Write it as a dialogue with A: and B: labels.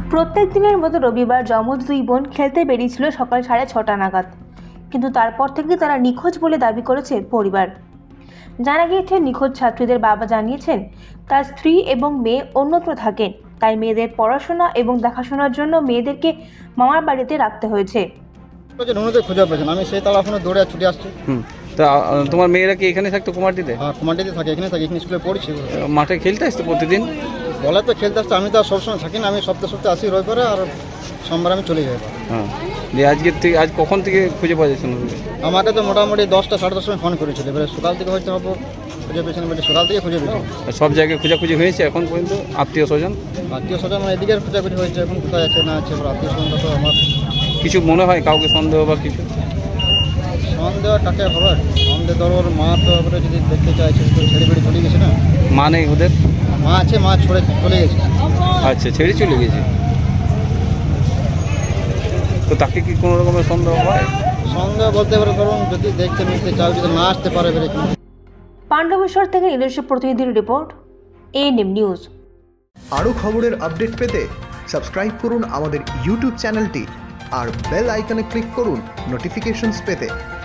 A: প্রত্যেক দিনের মতো রবিবার যমজ দুই বোন খেলতে বেরিয়েছিল সকাল 6:30 নাগাদ, কিন্তু তারপর থেকে তারা নিখোঁজ বলে দাবি করেছে পরিবার। জানা গিয়েছে, নিখোঁজ ছাত্রীদের বাবা জানিয়েছেন তার স্ত্রী এবং মেয়ে অন্যত্র থাকেন, তাই মেয়েদের পড়াশোনা এবং দেখাশোনার জন্য মেয়েদেরকে মামার বাড়িতে রাখতে হয়েছে।
B: নুনুদের খুঁজে পেয়েছেন, আমি সেই তালা এখনো দৌড়ে ছুটে আসছি।
C: তা তোমার মেয়েরা কি এখানে থাকতো কুমারটিতে?
B: আর কুমারটিতে থাকে, এখানে থাকে, এখানে স্কুলে পড়ছি।
C: মাঠে খেলতে আসতো প্রতিদিন?
B: বলে তো খেলতে আসতে, আমি তো আর সবসময় থাকি না, আমি সপ্তাহে আসি রবিবারে, আর সোমবার আমি চলে যাই।
C: হ্যাঁ, দিয়ে আজ কখন থেকে খুঁজে পাওয়া যাচ্ছে না?
B: আমাকে তো মোটামুটি 10টা সাড়ে 10 সময় ফোন করেছিল, এবারে সকাল থেকে হয়তো হবো খুঁজে পেয়েছেন, বলে সকাল থেকে খুঁজে পেয়েছেন।
C: সব জায়গায় খোঁজাখুঁজি হয়েছে এখন পর্যন্ত? আত্মীয় স্বজন
B: মানে এদিকে খোঁজাখুঁজি হয়েছে, এখন কোথায় আছে না আছে, আত্মীয় স্বজন তো আমার
C: কিছু মনে হয় কাউকে সন্দেহ বা কিছু?
B: সন্দেহ টাকে খবর সন্দেহ, ধরো ওর মা তো এবারে যদি দেখতে চাইছে তো ছেড়ে বেড়ে চলে গেছে না।
C: মা নেই ওদের?
B: মা আছে, মা ছড়ে চলে গেছে।
C: আচ্ছা, ছেড়ে চলে গেছে। তো তাকে কি কোনো রকমের সন্দেহ হয়?
B: সন্দেহ বলতে পারে, ধরুন যদি দেখতে মিলতে চাও, যদি না আসতে পারে বেরে।
A: পাণ্ডবেশ্বর থেকে নিজস্ব প্রতিনিধির রিপোর্ট, এএনএম নিউজ।
D: আরও খবরের আপডেট পেতে সাবস্ক্রাইব করুন আমাদের ইউটিউব চ্যানেলটি আর বেল আইকনে ক্লিক করুন নোটিফিকেশনস পেতে।